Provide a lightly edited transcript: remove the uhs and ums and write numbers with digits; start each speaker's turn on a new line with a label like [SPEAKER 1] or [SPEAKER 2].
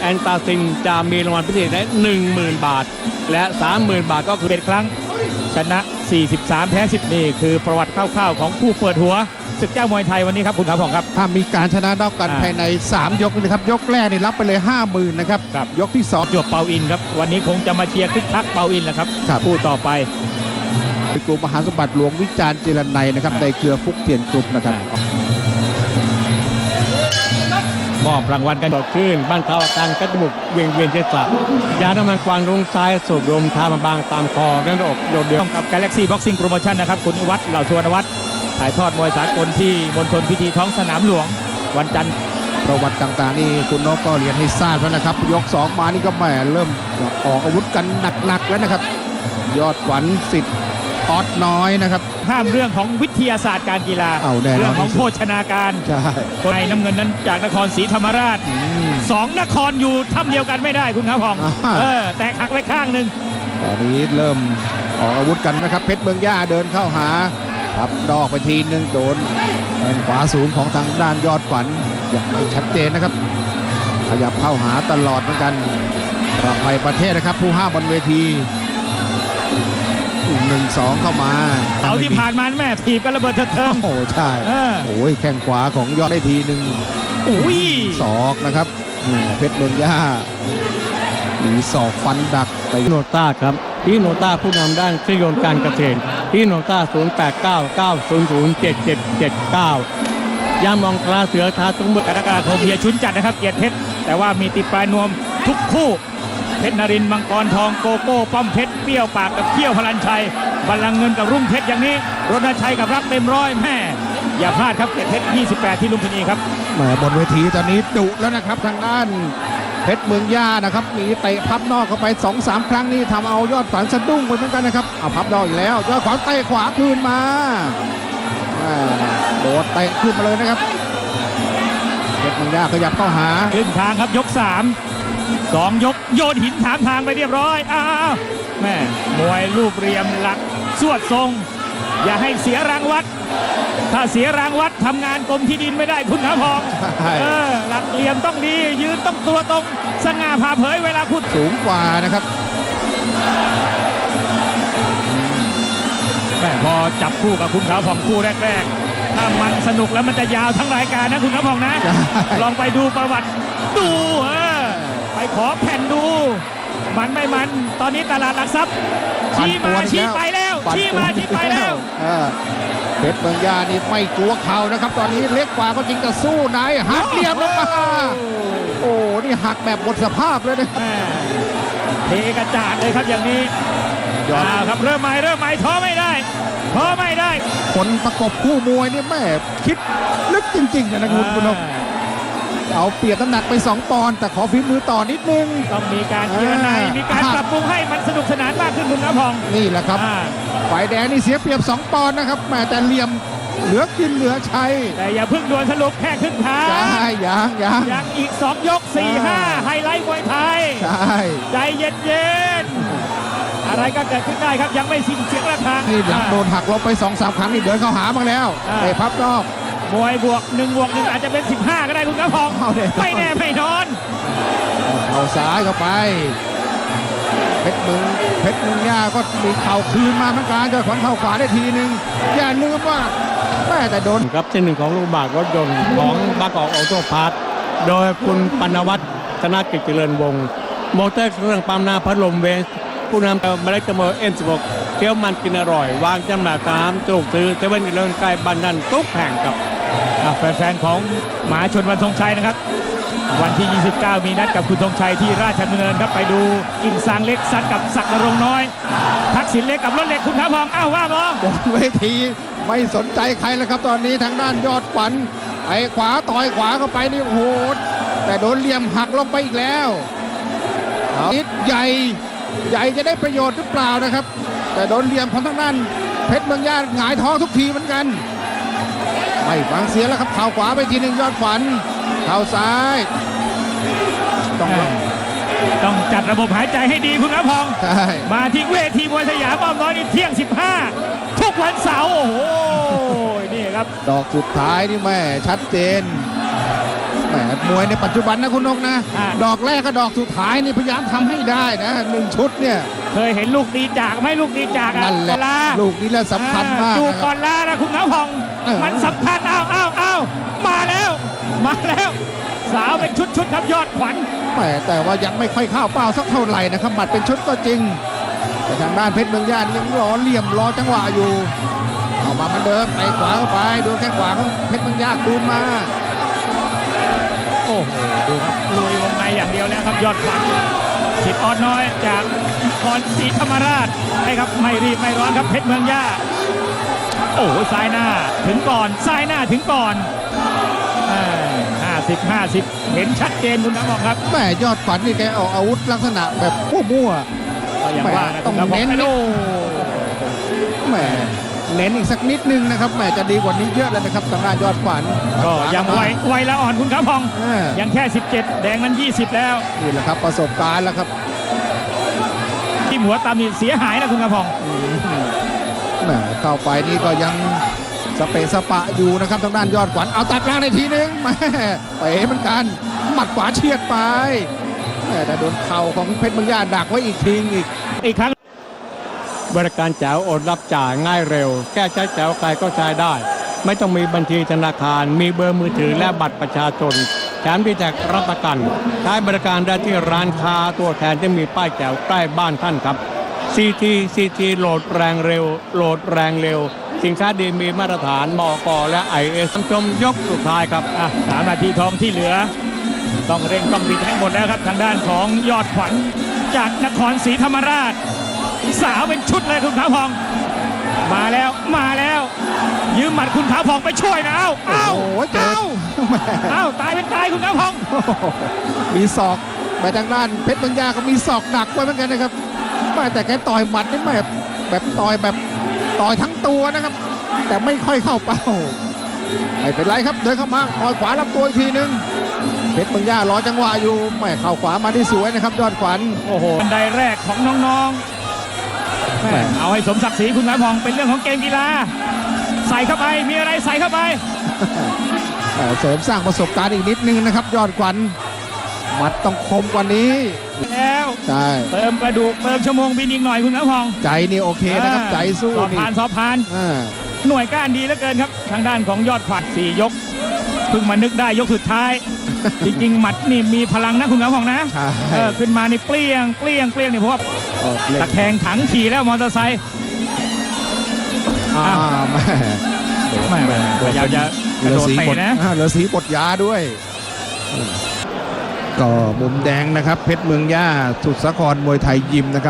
[SPEAKER 1] นตาซินจะมีรางวัลพิเศษได้ 10,000 บาทและ 30,000 บาทก็คือ
[SPEAKER 2] 11 ครั้งชนะ 43 แพ้ 10 นี่คือประวัติคร่าวๆของผู้เปิดหัวศึกเจ้ามวยไทยวันนี้ครับคุณขาวผ่องครับ
[SPEAKER 3] ถ้ามีการชนะนอกกันภายใน3 ยกนะครับยกแรกนี่รับไปเลย 50,000 นะครับยกที่2
[SPEAKER 2] จวบเปาอินครับวันนี้คงจะมาเชียร์คึกคักเปาอินแหละครับคู่ต่อไป
[SPEAKER 3] กลุ่มมหาสมบัติหลวงวิจารณ์เจรนัยนะครับในเครือฟุกเทียนกลุ่มนะครับ
[SPEAKER 2] มอบรางวัลกัน
[SPEAKER 1] ต่อขึ้นบ้านเขาอาการกระตุกเวียนเจษะยาน้ำมันกวางลงซ้ายสูบลมทามาบางตามคอเรื่องอกโดดเดี่ยว
[SPEAKER 2] กับ Galaxy Boxing Promotion นะครับคุณวัฒน์เหล่าสุวรรณวัฒน์ถ่ายทอดมวยสากลที่มณฑลพิธีท้องสนามหลวงวันจันทร์
[SPEAKER 3] ประวัติต่างๆนี่คุณนกก็เรียนให้ทราบแล้วนะครับยก2มานี่ก็แหมเริ่มออกอาวุธกันหนักๆแล้วนะครับยอดขวัญสิทธิ์ออดน้อยนะครับ
[SPEAKER 2] ห้ามเรื่องของวิทยาศาสตร์การกีฬาเรื่องของโภชนาการคนในน้ำเงินนั้นจากนครศรีธรรมราช2 นครอยู่ถ้ำเดียวกันไม่ได้คุณขาวผ่องแตกหักไปข้างหนึ่ง
[SPEAKER 3] ตอนนี้เริ่มออกอาวุธกันนะครับเพชรเมืองย่าเดินเข้าหาครับดอกไปทีนึงโดนแข้งขวาสูงของทางด้านยอดขวัญอย่างไม่ชัดเจนนะครับขยับเข้าหาตลอดเหมือนกันประภัยประเทศนะครับผู้ห้ามบนเวที1-2 เข้ามา
[SPEAKER 2] เอาที่ผ่านมาแม่ถีบกันระเบิดเถิด
[SPEAKER 3] โอ้ใช่โอ้ยแข้งขวาของยอดได้ทีนึงศอกนะครับเพชรเมืองย่ามีศอกฟันดัก
[SPEAKER 1] ไปโนต้าครับที่โนต้าผู้นำด้านเครื่องยนต์การเกษตรที่โนต้า0899007779ย่ามองตราเสือท้าตุ้งมือก
[SPEAKER 2] รกฎาคมเฮียชุนจัดนะครับเกียรติเพชรแต่ว่ามีติดปลายนวมทุกคู่เพชรนรินทร์มังกรทองโกโก้ป้อมเพชรเปรี้ยวปากกับเขี้ยวพลันชัยบัลลังก์เงินกับรุ่งเพชรอย่างนี้รณชัยกับรักเต็มร้อยแม่อย่าพลาดครับเกียรติเพชร28ที่ลุมพินีครับ
[SPEAKER 3] แหมบนเวทีตอนนี้ดุแล้วนะครับทางด้านเพชรเมืองย่านะครับมีเตะพับนอกเข้าไป 2-3 ครั้งนี่ทำเอายอดฝันสะดุ้งไปเหมือนกันนะครับเอาพับนอกอีกแล้วยอดขวาเตะขวาคืนมาโดดเตะขึ้นมาเลยนะครับเพชรเมืองย่าขยับเข้าหา
[SPEAKER 2] ขึ้นทางครับยก2 ยกโยนหินถามทางไปเรียบร้อยอ้าวแม่มวยรูปเรียมหลักสวดทรงอย่าให้เสียรางวัดถ้าเสียรางวัดทำงานกรมที่ดินไม่ได้คุณขาวผ่องหลักเหลี่ยมต้องดียืนต้องตัวตรงสง่าผ่าเผยเวลาพูด
[SPEAKER 3] สูงกว่านะครับ
[SPEAKER 2] แม่พอจับคู่กับคุณขาวผ่องคู่แรกๆถ้ามันสนุกแล้วมันจะยาวทั้งรายการนะคุณขาวผ่องนะลองไปดูประวัติดูไปขอแผ่นดูมันไม่มันตอนนี้ตลาดหลักทรัพย์ชี้มาชี้ไปแล้วชี้มาชี้ไปแล้ว
[SPEAKER 3] เพชรเมืองย่านี่ไม่กลัวเข่านะครับตอนนี้เล็กกว่าก็จริงแต่สู้ไหนหักเหลี่ยมลงมาโอ้นี่หักแบบหมดสภาพเลยนะครับ
[SPEAKER 2] เทกระจาดเลยครับอย่างนี้ครับเริ่มใหม่ท้อไม่ได้
[SPEAKER 3] คนประกบคู่มวยนี่แม่คิดลึกจริงๆนะคุณผู้ชมเอาเปรียบน้ำหนักไป2 ปอนด์แต่ขอฝีมือต่อนิดนึง
[SPEAKER 2] ต้องมีการเจรนายมีการปรับปรุงให้มันสนุกสนานมากขึ้นคุณขาวผ่อง
[SPEAKER 3] นี่แหละครับฝ่ายแดงนี่เสียเปรียบ2 ปอนด์นะครับแต่เหลี่ยมเหลือกินเหลือใช้
[SPEAKER 2] แต่อย่าเพิ่งด่วนสรุปแค่ครึ่งทางยังอีก2 ยก 4-5ไฮไลท์มวยไทยใจเย็นๆอะไรก็เกิดขึ้นได้ครับยังไม่สิ้นเสียงระฆัง
[SPEAKER 3] นี่หลังโดนหักลบไป 2-3 ครั้งนี่เดินเข้าหามาแล้วไอ้พับนอก
[SPEAKER 2] มวยบวก1อาจจะเป็น15ก็ได้คุณขาวผ่องไม่แน่ไม่นอน
[SPEAKER 3] เอาซ้ายเข้าไปเพชรเมืองย่าก็มีเข่าคืนมาเหมือนกันจะขวัญเข่าขวาได้ทีนึงอย่าลืมว่าแม่แต่โดน
[SPEAKER 1] ครับเส้นหนึ่งของลูกบาศก์รถยนต์ของบางกอกออโต้พาร์ทโดยคุณปนวัฒน์ธนกิจเจริญวงศ์มอเตอร์เครื่องปั๊มน้ำพัดลมเวสผู้นำเมล็ดกระเมอN16เคี้ยวมันกินอร่อยวางจำหน่ายตามจุกซื้อ7-11ใกล้บ้านนั่นทุกแห่งกับ
[SPEAKER 2] แฟนๆของมหาชนวันธงชัยนะครับวันที่29มีนัดกับคุณธงชัยที่ราชดำเนินครับไปดูกิ่งซางเล็กซัดกับศักดิ์นรงค์น้อยทักษิณเล็กกับรถเหล็กคุณขาวผ่องว่าบ
[SPEAKER 3] บนเวทีไม่สนใจใครแล้วครับตอนนี้ทางด้านยอดขวัญไอ้ขวาต่อยขวาเข้าไปนี่โหดแต่โดนเหลี่ยมหักลงไปอีกแล้วนิดใหญ่จะได้ประโยชน์หรือเปล่านะครับแต่โดนเหลี่ยมของทางด้านเพชรเมืองย่าหงายท้องทุกทีเหมือนกันไม่ฟังเสียแล้วครับเข่าขวาไปทีหนึ่งยอดขวัญเข่าซ้าย
[SPEAKER 2] ต้องจัดระบบหายใจให้ดีคุณขาวผ่องมาที่เวทีมวยสยามอ้อมน้อยนี่เที่ยง15ทุกวันเสาร์โอ้โหนี่ครับ
[SPEAKER 3] ดอกสุดท้ายนี่แม่ชัดเจนแหมมวยในปัจจุบันนะคุณนกนะ
[SPEAKER 2] อ่า
[SPEAKER 3] ดอกแรกกับดอกสุดท้ายนี่พยายามทำให้ได้นะ1 ชุดเนี่ย
[SPEAKER 2] เคยเห็นลูกดีจากไหมลูกดีจากอ่ะ
[SPEAKER 3] นั่นแหละ
[SPEAKER 2] ลา
[SPEAKER 3] ลูกนี้แหละสำคัญมาก
[SPEAKER 2] จูบ
[SPEAKER 3] นะค
[SPEAKER 2] ก่
[SPEAKER 3] รั
[SPEAKER 2] อบ นลานะคุณน้ำพอง
[SPEAKER 3] เออ
[SPEAKER 2] มันสำคัญอ้าวมาแล้วมาแล้ว สาวเป็นชุดครับยอดขวัญ
[SPEAKER 3] แหมแต่ว่ายังไม่ค่อยเข้าเป้าสักเท่าไหร่นะครับหมัดเป็นชุดก็จริง แต่ทางด้านเพชรเมืองย่านี่ยังรอเหลี่ยมรอจังหวะอยู่เอามาเหมือนเดิมไปขวาเข้าไปดูแข้งขวาของเพชรเมืองย่าคืนมา
[SPEAKER 2] โอ้โหดูครับลุยวงในอย่างเดียวแล้วครับยอดขวัญสิทธิ์ออดน้อยจากนครศรีธรรมราชให้ครับไม่รีบไม่ร้อนครับเพชรเมืองย่าโอ้โหซ้ายหน้าถึงก่อนซ้ายหน้าถึงก่อน50 เห็นชัดเจนคุณน้ำบอกครับ
[SPEAKER 3] แหมยอดขวัญนี่แกออกอาวุธลักษณะแบบมั่ว
[SPEAKER 2] ก็อย่างว่านะ
[SPEAKER 3] ต้อง
[SPEAKER 2] คุณำบก
[SPEAKER 3] เน้น
[SPEAKER 2] โอ้
[SPEAKER 3] ๆแหมเน้นอีกสักนิดนึงนะครับแหมจะดีกว่านี้เยอะเลยนะครับทางด้านยอดขวัญ
[SPEAKER 2] ก็ยังไวละอ่อนคุณครับพอง
[SPEAKER 3] อ่า
[SPEAKER 2] ยังแค่ 17 แดงนั้น 20 แล้ว
[SPEAKER 3] นี่แหละครับประสบการณ์แล้วครับ
[SPEAKER 2] ที่หัวตามนี่เสียหายนะคุณครับพอง
[SPEAKER 3] แหมเข้าไปนี่ก็ยังสเปะสปะอยู่นะครับทางด้านยอดขวัญเอาตัดล่างในทีนึงแหมเป๋เหมือนกันหมัดขวาเฉียดไปแหมแต่โดนเข่าของเพชรเมืองย่าดักไว้อีกทีอีก
[SPEAKER 2] ครั้ง
[SPEAKER 1] บริการแจ๋วโอนรับจ่ายง่ายเร็ว แก้ใช้แจ๋วใครก็ใช้ได้ ไม่ต้องมีบัญชีธนาคาร มีเบอร์มือถือและบัตรประชาชนแถมมีแท็กรับประกันใช้บริการได้ที่ร้านค้าตัวแทนที่มีป้ายแจ๋วใกล้บ้านท่านครับ CT โหลดแรงเร็ว โหลดแรงเร็ว สินค้าดีมีมาตรฐานมกและ IS ชมยกสุดท้ายครับ
[SPEAKER 2] 3 นาทีทองที่เหลือ ต้องเร่งต้องบิดให้หมดแล้วครับทางด้านของยอดขวัญจากนครศรีธรรมราช สาวเป็นชุดเลยคุณขาวพอง มาแล้วยืมหมัดคุณขาวพองไปช่วยนะเอ้า
[SPEAKER 3] โอ้โหเจอ
[SPEAKER 2] เอ้าตายเป็นตายคุณขาวพอง
[SPEAKER 3] มีศอกไปทางด้านเพชรเมืองย่าก็มีศอกหนักไว้เหมือนกันนะครับแม่แต่แกต่อยหมัดนี่ไม่แบบต่อยทั้งตัวนะครับ แต่ไม่ค่อยเข้าเป้าไม่เป็นไรครับเดินเข้ามาต่อยขวาลำตัวอีกทีนึงเพชรเมืองย่ารอจังหวะอยู่ไม่เข้าขวามาได้สวยนะครับยอดขวัญ
[SPEAKER 2] โอ้โหบันไดแรกของน้องๆแม่เอาให้สมศักดิ์ศรีคุณขาวพองเป็นเรื่องของเกมกีฬาใส่เข้าไปมีอะไรใส่เข้าไป
[SPEAKER 3] เสริมสร้างประสบการณ์อีกนิดนึงนะครับยอดขวัญหมัดต้องคมกว่านี้
[SPEAKER 2] แล้ว
[SPEAKER 3] ใช่
[SPEAKER 2] เติมกระดูกเติมชั่วโมงบินอีกหน่อยคุณขาวพอง
[SPEAKER 3] ใจนี่โอเคนะครับใจสู้
[SPEAKER 2] สอบ
[SPEAKER 3] นี่
[SPEAKER 2] ผ่านสอบผ่าน
[SPEAKER 3] อ่า
[SPEAKER 2] หน่วยก้านดีเหลือเกินครับ ทางด้านของยอดขวัญ4 ยกเพิ่งมานึกได้ยกสุดท้าย จริงๆ หมัดนี่มีพลังนะคุณขาวพองนะ
[SPEAKER 3] ใช่
[SPEAKER 2] ขึ้นมานี่เปรี้ยงนี่เพราะว่า
[SPEAKER 3] ออกเล่น
[SPEAKER 2] ตะแคงถังขี่แล้วมอเตอร์ไซค์
[SPEAKER 3] แม่
[SPEAKER 2] ไม่พยายามจะกระโดดเตะนะ
[SPEAKER 3] เหลือสีบทยาด้วย ก็มุมแดงนะครับเพชรเมืองย่าสุดสาครมวยไทยยิมนะครับ